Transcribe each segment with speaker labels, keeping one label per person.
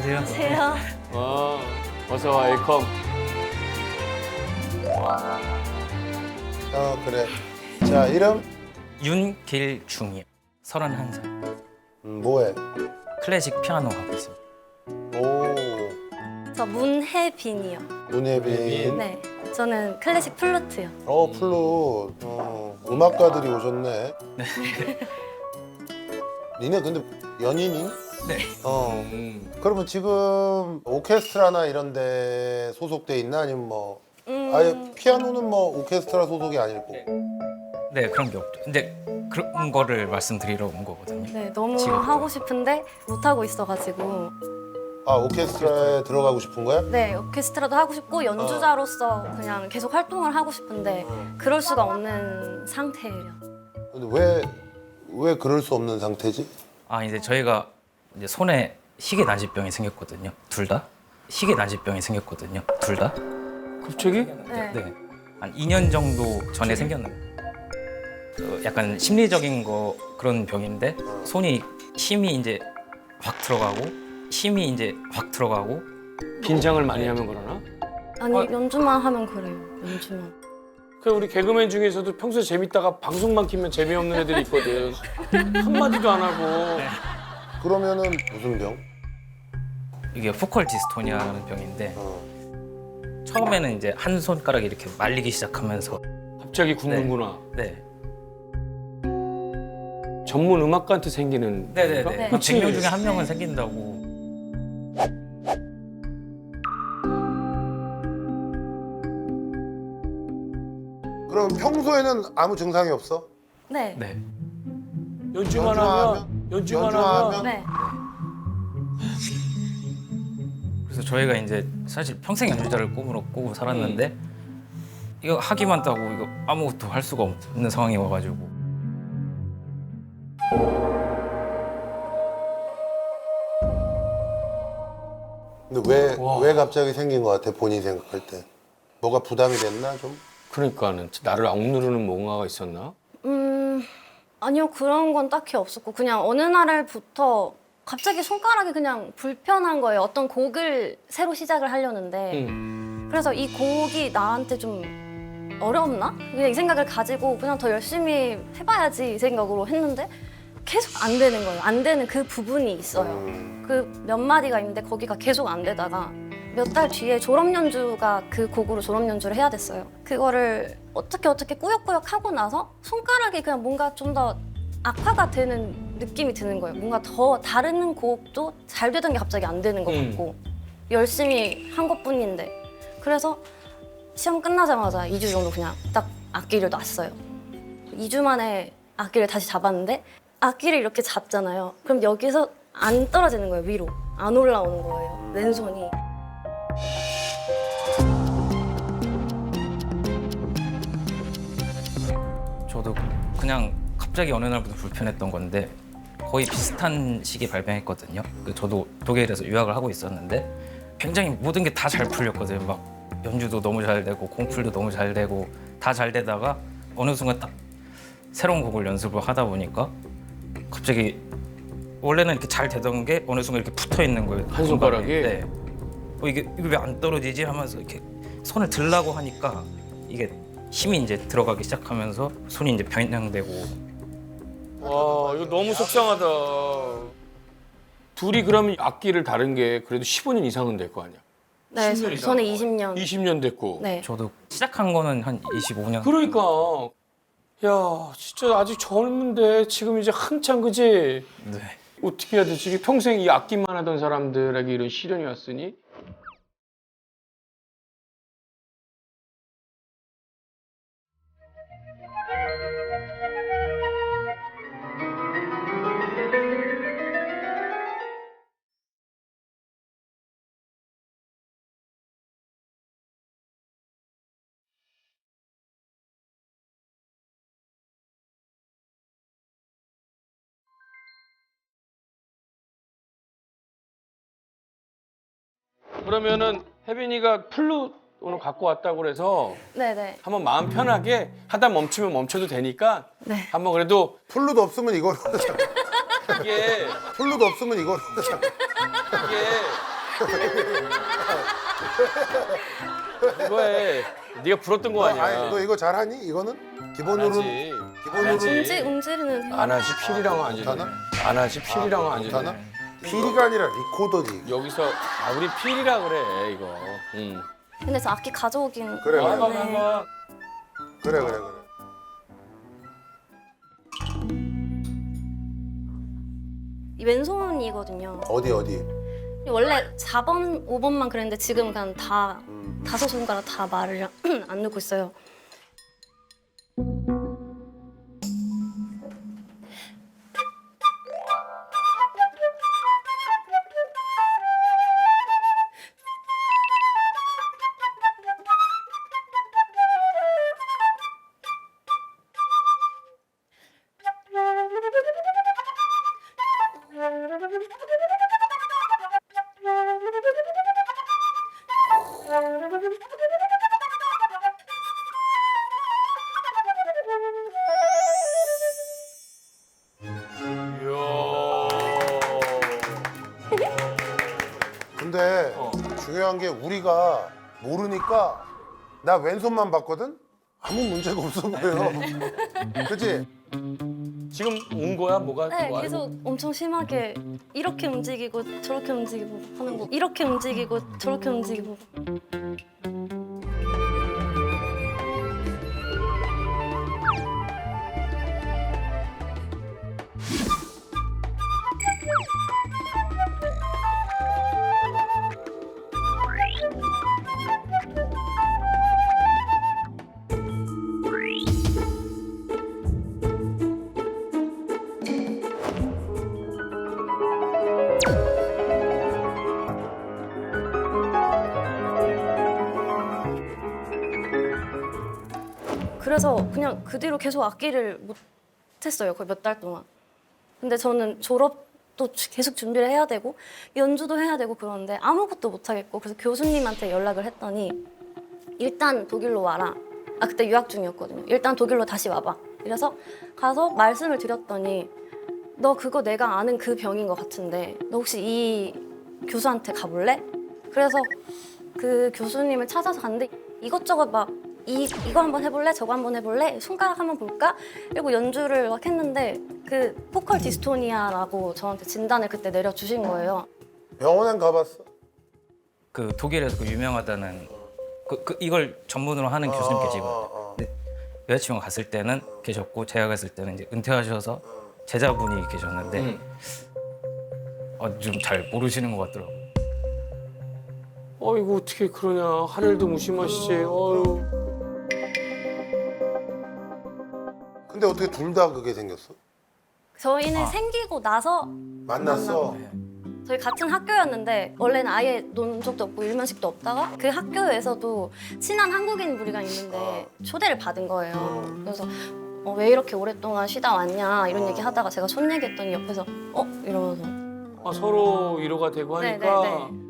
Speaker 1: 안녕하세요.
Speaker 2: 어서 와, 웰컴.
Speaker 3: 그래. 자, 이름?
Speaker 1: 윤길중이요. 31살.
Speaker 3: 뭐해?
Speaker 1: 클래식 피아노 하고 있습니다.
Speaker 3: 오,
Speaker 4: 저 문혜빈이요.
Speaker 3: 문예빈.
Speaker 4: 네, 저는 클래식 플루트요.
Speaker 3: 플룻. 음악가들이 오셨네. 네. 니네 근데 연인이?
Speaker 1: 네.
Speaker 3: 그러면 지금 오케스트라나 이런 데 소속돼 있나? 아니면 뭐 아예 피아노는 뭐 오케스트라 소속이 아니고.
Speaker 1: 네, 그런 게 없죠. 근데 그런 거를 말씀드리러 온 거거든요.
Speaker 4: 네, 너무
Speaker 1: 지금.
Speaker 4: 하고 싶은데 못 하고 있어가지고.
Speaker 3: 아, 오케스트라에 들어가고 싶은 거야?
Speaker 4: 네, 오케스트라도 하고 싶고 연주자로서 그냥 계속 활동을 하고 싶은데 그럴 수가 없는 상태예요.
Speaker 3: 근데 왜 그럴 수 없는 상태지?
Speaker 1: 이제 저희가 이제 손에 희귀난치병이 생겼거든요. 둘 다. 희귀난치병이 생겼거든요. 둘 다.
Speaker 2: 갑자기?
Speaker 4: 네.
Speaker 1: 네. 한 2년 정도 전에 생겼는데 약간 심리적인 거 그런 병인데 손이 힘이 이제 확 들어가고
Speaker 2: 긴장을 많이 하면 그러나?
Speaker 4: 아니, 연주만 하면 그래요. 연주만.
Speaker 2: 그 우리 개그맨 중에서도 평소에 재밌다가 방송만 키면 재미없는 애들이 있거든. 한마디도 안 하고.
Speaker 3: 그러면은 무슨 병?
Speaker 1: 이게 포컬 디스토니아라는 병인데 처음에는 이제 한 손가락이 이렇게 말리기 시작하면서
Speaker 2: 갑자기 굳는구나.
Speaker 1: 네.
Speaker 2: 전문 음악가한테 생기는
Speaker 1: 네네네.
Speaker 2: 건가?
Speaker 1: 100명 중에 한 명은 생긴다고.
Speaker 3: 그럼 평소에는 아무 증상이 없어?
Speaker 4: 네.
Speaker 1: 네.
Speaker 2: 연주만
Speaker 3: 연주하면?
Speaker 2: 하면
Speaker 4: 네.
Speaker 1: 그래서 저희가 이제 사실 평생 연주자를 꿈으로 꾸고 살았는데 이거 하기만 따고 이거 아무것도 할 수가 없는 상황이 와가지고
Speaker 3: 근데
Speaker 2: 와.
Speaker 3: 왜 갑자기 생긴 것 같아, 본인이 생각할 때? 뭐가 부담이 됐나, 좀?
Speaker 2: 그러니까는 나를 억누르는 뭔가가 있었나?
Speaker 4: 아니요, 그런 건 딱히 없었고 그냥 어느 날부터 갑자기 손가락이 그냥 불편한 거예요. 어떤 곡을 새로 시작을 하려는데 그래서 이 곡이 나한테 좀 어렵나? 그냥 이 생각을 가지고 그냥 더 열심히 해봐야지 이 생각으로 했는데 계속 안 되는 거예요. 안 되는 그 부분이 있어요. 그 몇 마디가 있는데 거기가 계속 안 되다가 몇 달 뒤에 졸업 연주가 그 곡으로 졸업 연주를 해야 됐어요. 그거를 어떻게 꾸역꾸역 하고 나서 손가락이 그냥 뭔가 좀 더 악화가 되는 느낌이 드는 거예요. 뭔가 더 다른 곡도 잘 되던 게 갑자기 안 되는 것 같고 열심히 한 것뿐인데 그래서 시험 끝나자마자 2주 정도 그냥 딱 악기를 놨어요. 2주 만에 악기를 다시 잡았는데 악기를 이렇게 잡잖아요. 그럼 여기서 안 떨어지는 거예요, 위로. 안 올라오는 거예요, 왼손이.
Speaker 1: 저도 그냥 갑자기 어느 날부터 불편했던 건데 거의 비슷한 시기에 발병했거든요. 저도 독일에서 유학을 하고 있었는데 굉장히 모든 게 다 잘 풀렸거든요. 막 연주도 너무 잘 되고 공풀도 너무 잘 되고 다 잘 되다가 어느 순간 딱 새로운 곡을 연습을 하다 보니까 갑자기 원래는 이렇게 잘 되던 게 어느 순간 이렇게 붙어 있는 거예요.
Speaker 2: 한 손가락이?
Speaker 1: 네. 이게 왜 안 떨어지지 하면서 이렇게 손을 들라고 하니까 이게 힘이 이제 들어가기 시작하면서 손이 이제 변형되고
Speaker 2: 와, 이거 너무 속상하다. 둘이 그러면 악기를 다른 게 그래도 15년 이상은 될 거 아니야?
Speaker 4: 네,
Speaker 2: 10년 이상.
Speaker 4: 저는 20년.
Speaker 2: 20년 됐고.
Speaker 4: 네.
Speaker 1: 저도 시작한 거는 한 25년.
Speaker 2: 그러니까 야, 진짜 아직 젊은데 지금 이제 한창 그지?
Speaker 1: 네.
Speaker 2: 어떻게 해야 되지? 이게 평생 이 악기만 하던 사람들에게 이런 시련이 왔으니 그러면은 혜빈이가 플룻 오늘 갖고 왔다고 그래서
Speaker 4: 네네.
Speaker 2: 한번 마음 편하게 하다 멈추면 멈춰도 되니까
Speaker 4: 네.
Speaker 2: 한번 그래도
Speaker 3: 플룻 없으면 이걸
Speaker 2: 이게
Speaker 3: 플룻 없으면 이걸
Speaker 2: 이게 그거에 네가 불었던 거 아니야.
Speaker 3: 아니, 너 이거 잘하니? 이거는 기본으로
Speaker 2: 하지.
Speaker 3: 기본으로
Speaker 2: 하지.
Speaker 4: 음질은
Speaker 2: 안 하지 필이랑은 안
Speaker 3: 못하나?
Speaker 2: 주네. 안 하지 필이랑은 안
Speaker 3: 못하나?
Speaker 2: 주네.
Speaker 3: 피리가 아니라 리코더지.
Speaker 2: 여기서 우리 필이라 그래 이거. 응.
Speaker 4: 근데 저 악기 가져오긴
Speaker 3: 그래, 그래.
Speaker 4: 하는데
Speaker 3: 그래.
Speaker 4: 이 왼손이거든요.
Speaker 3: 어디?
Speaker 4: 원래 4번, 5번만 그랬는데 지금 그냥 다 5손가락 다 말을 안 넣고 있어요.
Speaker 3: 근데
Speaker 2: 어.
Speaker 3: 중요한 게 우리가 모르니까 나 왼손만 봤거든? 아무 문제가 없어 보여. 그치?
Speaker 2: 지금 온 거야 뭐가?
Speaker 4: 네,
Speaker 2: 뭐
Speaker 4: 계속 엄청 심하게 이렇게 움직이고 저렇게 움직이고 하는 거. 이렇게 움직이고 저렇게 움직이고. 그래서 그냥 그 뒤로 계속 악기를 못 했어요. 거의 몇 달 동안. 근데 저는 졸업도 계속 준비를 해야 되고 연주도 해야 되고 그러는데 아무것도 못 하겠고 그래서 교수님한테 연락을 했더니 일단 독일로 와라. 아 그때 유학 중이었거든요. 일단 독일로 다시 와봐. 이래서 가서 말씀을 드렸더니 너 그거 내가 아는 그 병인 것 같은데 너 혹시 이 교수한테 가볼래? 그래서 그 교수님을 찾아서 갔는데 이것저것 막 이거 한번 해볼래? 저거 한번 해볼래? 손가락 한번 볼까? 그리고 연주를 막 했는데 그 포컬 디스토니아라고 저한테 진단을 그때 내려주신 거예요.
Speaker 3: 병원엔 가봤어?
Speaker 1: 그 독일에서 그 유명하다는 이걸 전문으로 하는 교수님 계시거든요. 근데 여자친구가 갔을 때는 계셨고 제가 갔을 때는 이제 은퇴하셔서 제자분이 계셨는데 좀 잘 모르시는 것 같더라고요.
Speaker 2: 어이구 어떻게 그러냐. 하늘도 무심하시지. 어휴.
Speaker 3: 근데 어떻게 둘 다 그게 생겼어?
Speaker 4: 저희는 생기고 나서
Speaker 3: 만났어?
Speaker 4: 저희 같은 학교였는데 원래는 아예 논 적도 없고 일면식도 없다가 그 학교에서도 친한 한국인 무리가 있는데 초대를 받은 거예요. 그래서 왜 이렇게 오랫동안 쉬다 왔냐 이런 얘기 하다가 제가 손 얘기했더니 옆에서 이러면서
Speaker 2: 아, 서로 위로가 되고 하니까.
Speaker 4: 네네네.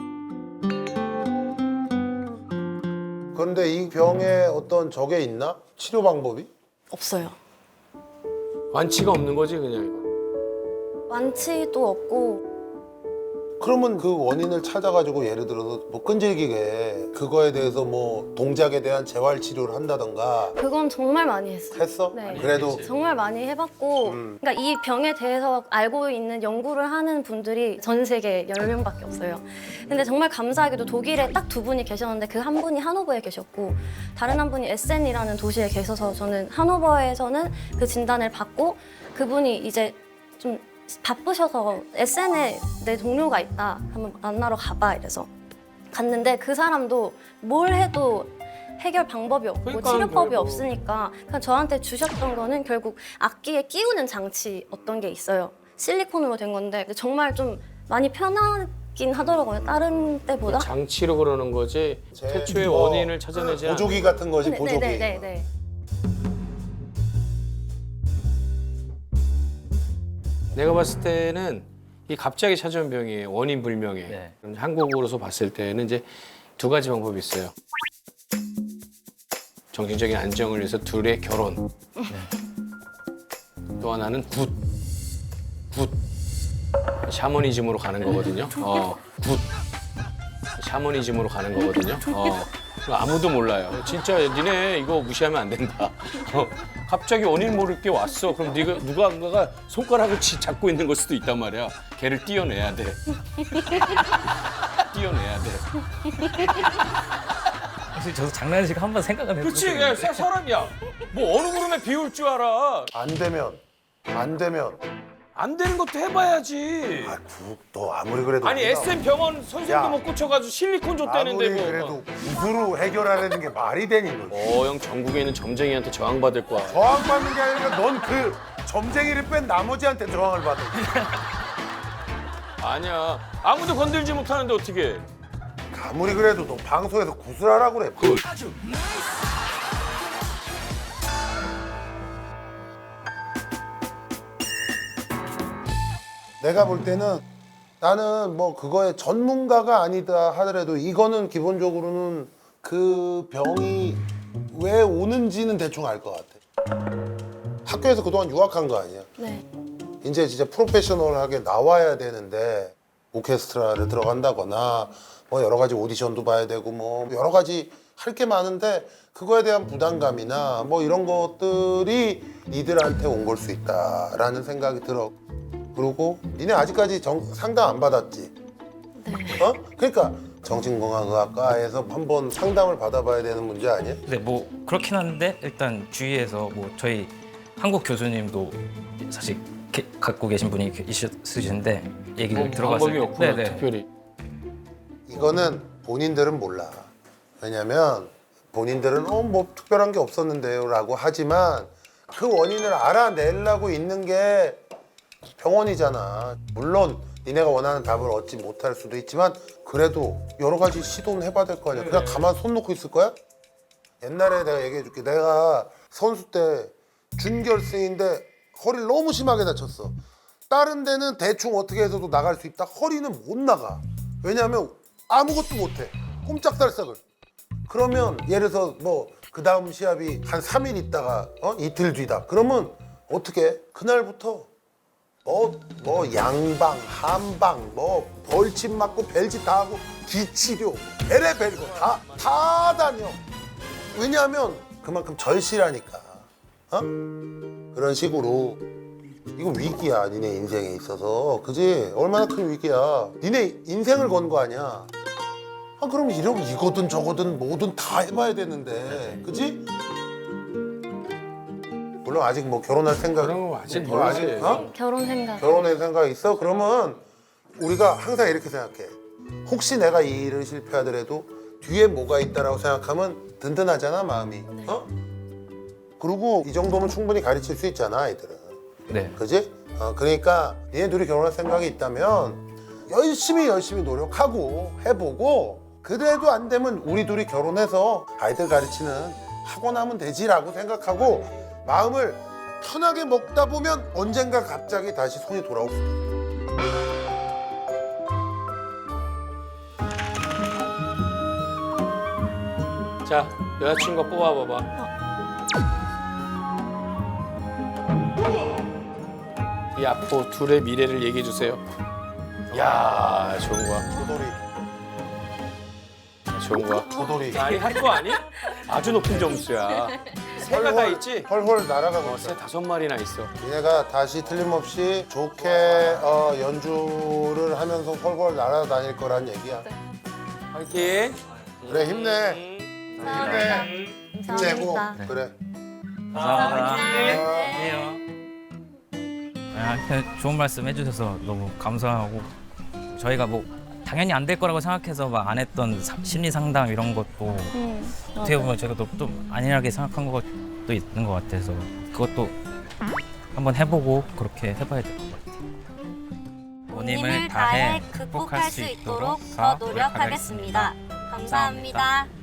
Speaker 3: 그런데 이 병에 어떤 저게 있나? 치료 방법이?
Speaker 4: 없어요.
Speaker 2: 완치가 없는 거지 그냥 이거.
Speaker 4: 완치도 없고
Speaker 3: 그러면 그 원인을 찾아가지고 예를 들어서 뭐 끈질기게 그거에 대해서 뭐 동작에 대한 재활 치료를 한다던가
Speaker 4: 그건 정말 많이 했어요.
Speaker 3: 했어?
Speaker 4: 네.
Speaker 3: 그래도
Speaker 4: 정말 많이 해봤고 그러니까 이 병에 대해서 알고 있는 연구를 하는 분들이 전 세계에 10명밖에 없어요. 근데 정말 감사하게도 독일에 딱 2분이 계셨는데 그 한 분이 하노버에 계셨고 다른 한 분이 에센이라는 도시에 계셔서 저는 하노버에서는 그 진단을 받고 그분이 이제 좀 바쁘셔서 에센에 내 동료가 있다 한번 만나러 가봐 이래서 갔는데 그 사람도 뭘 해도 해결 방법이 없고
Speaker 2: 그러니까
Speaker 4: 치료법이
Speaker 2: 결국.
Speaker 4: 없으니까 그냥 저한테 주셨던 거는 결국 악기에 끼우는 장치 어떤 게 있어요. 실리콘으로 된 건데 정말 좀 많이 편하긴 하더라고요. 다른 때보다.
Speaker 2: 장치로 그러는 거지. 태초의
Speaker 3: 뭐
Speaker 2: 원인을 찾아내지 않아.
Speaker 3: 보조기 같은 거지 보조기.
Speaker 4: 네네네.
Speaker 2: 내가 봤을 때는 이 갑자기 찾아온 병이에요. 원인 불명에.
Speaker 1: 네.
Speaker 2: 한국으로서 봤을 때는 이제 2가지 방법이 있어요. 정신적인 안정을 위해서 둘의 결혼. 또 하나는 굿. 샤머니즘으로 가는 거거든요. 굿. 샤머니즘으로 가는 거거든요. 아무도 몰라요. 진짜 니네 이거 무시하면 안 된다. 갑자기 원인 모를 게 왔어. 그럼 누가가 손가락을 잡고 있는 걸 수도 있단 말이야. 걔를 띄어내야 돼. 띄어내야 돼.
Speaker 1: 사실 저도 장난식 한번 생각은
Speaker 2: 그렇지,
Speaker 1: 해봤거든요.
Speaker 2: 야, 사람이야. 뭐 어느 구름에 비올 줄 알아.
Speaker 3: 안 되면
Speaker 2: 안 되는 것도 해봐야지.
Speaker 3: 너 아무리 그래도
Speaker 2: 아니
Speaker 3: 우리가
Speaker 2: SM 병원 선생도
Speaker 3: 야.
Speaker 2: 못 고쳐가지고 실리콘 줬다는데
Speaker 3: 아무리
Speaker 2: 뭐.
Speaker 3: 그래도 구두로 해결하려는 게 말이 되니 너.
Speaker 2: 형 전국에 있는 점쟁이한테 저항받을 거야.
Speaker 3: 저항받는 게 아니라 넌 그 점쟁이를 뺀 나머지한테 저항을 받아.
Speaker 2: 아니야. 아무도 건들지 못하는데 어떻게?
Speaker 3: 아무리 그래도 너 방송에서 구슬하라고 그래. 내가 볼 때는 나는 뭐 그거에 전문가가 아니다 하더라도 이거는 기본적으로는 그 병이 왜 오는지는 대충 알 것 같아. 학교에서 그동안 유학한 거 아니야?
Speaker 4: 네.
Speaker 3: 이제 진짜 프로페셔널하게 나와야 되는데 오케스트라를 들어간다거나 뭐 여러 가지 오디션도 봐야 되고 뭐 여러 가지 할 게 많은데 그거에 대한 부담감이나 뭐 이런 것들이 니들한테 온 걸 수 있다라는 생각이 들어. 그리고 니네 아직까지 상담 안 받았지?
Speaker 4: 네.
Speaker 3: 어? 그러니까 정신건강의학과에서 한번 상담을 받아봐야 되는 문제 아니야?
Speaker 1: 네, 뭐 그렇긴 한데 일단 주위에서 뭐 저희 한국 교수님도 사실 갖고 계신 분이 있으신데 얘기를 들어봤을
Speaker 2: 방법이 없구나, 특별히.
Speaker 3: 이거는 본인들은 몰라. 왜냐면 본인들은 뭐 특별한 게 없었는데요 라고 하지만 그 원인을 알아내려고 있는 게 병원이잖아. 물론 니네가 원하는 답을 얻지 못할 수도 있지만 그래도 여러 가지 시도는 해봐야 될 거 아니야. 그냥 가만 손 놓고 있을 거야? 옛날에 내가 얘기해 줄게. 내가 선수 때 준결승인데 허리를 너무 심하게 다쳤어. 다른 데는 대충 어떻게 해서도 나갈 수 있다. 허리는 못 나가. 왜냐하면 아무것도 못해. 꼼짝달싹을. 그러면 예를 들어서 뭐 그 다음 시합이 한 3일 있다가 이틀 뒤다. 그러면 어떻게? 그날부터 뭐 양방, 한방, 뭐 벌침 맞고 벨짓 다 하고 기치료, 베레벨고 다 다녀. 왜냐하면 그만큼 절실하니까. 그런 식으로 이거 위기야 니네 인생에 있어서. 그지? 얼마나 큰 위기야. 니네 인생을 건 거 아니야. 그럼 이거든 저거든 뭐든 다 해봐야 되는데. 그지? 물론 아직 뭐 결혼할 생각
Speaker 2: 그런 거 아직
Speaker 3: 뭐
Speaker 2: 모르지.
Speaker 4: 결혼 생각.
Speaker 3: 결혼할 생각 있어? 그러면 우리가 항상 이렇게 생각해. 혹시 내가 이 일을 실패하더라도 뒤에 뭐가 있다라고 생각하면 든든하잖아 마음이. 그리고 이 정도면 충분히 가르칠 수 있잖아 아이들은.
Speaker 1: 네.
Speaker 3: 그지? 그러니까 니네 둘이 결혼할 생각이 있다면 열심히 노력하고 해보고 그래도 안 되면 우리 둘이 결혼해서 아이들 가르치는 학원 하면 되지라고 생각하고 마음을 편하게 먹다 보면 언젠가 갑자기 다시 손이 돌아올 수도 있어.
Speaker 2: 자, 여자친구 뽑아봐봐. 이 앞으로 둘의 미래를 얘기해 주세요. 야, 좋은 거야.
Speaker 3: 도돌이.
Speaker 2: 좋은 거야.
Speaker 3: 도돌이.
Speaker 2: 아니 할 거 아니? 아주 높은 점수야. 새가 다 있지?
Speaker 3: 헐헐 날아가고
Speaker 2: 새
Speaker 3: 있어.
Speaker 2: 5마리나 있어.
Speaker 3: 니네가 다시 틀림없이 좋게 연주를 하면서 헐헐 날아다닐 거란 얘기야.
Speaker 2: 화이팅.
Speaker 3: 그래 힘내.
Speaker 4: 감사합니다.
Speaker 3: 힘내고
Speaker 4: 감사합니다.
Speaker 3: 그래.
Speaker 1: 감사합니다.
Speaker 3: 네.
Speaker 1: 그냥 좋은 말씀 해주셔서 너무 감사하고 저희가 뭐 당연히 안 될 거라고 생각해서 막 안 했던 심리 상담 이런 것도 어떻게 보면 제가 좀 안일하게 생각한 것도 있는 것 같아서 그것도 한번 해보고 그렇게 해봐야 될 것 같아요.
Speaker 5: 본인을 다해 극복할 수 있도록 더 노력하겠습니다. 감사합니다.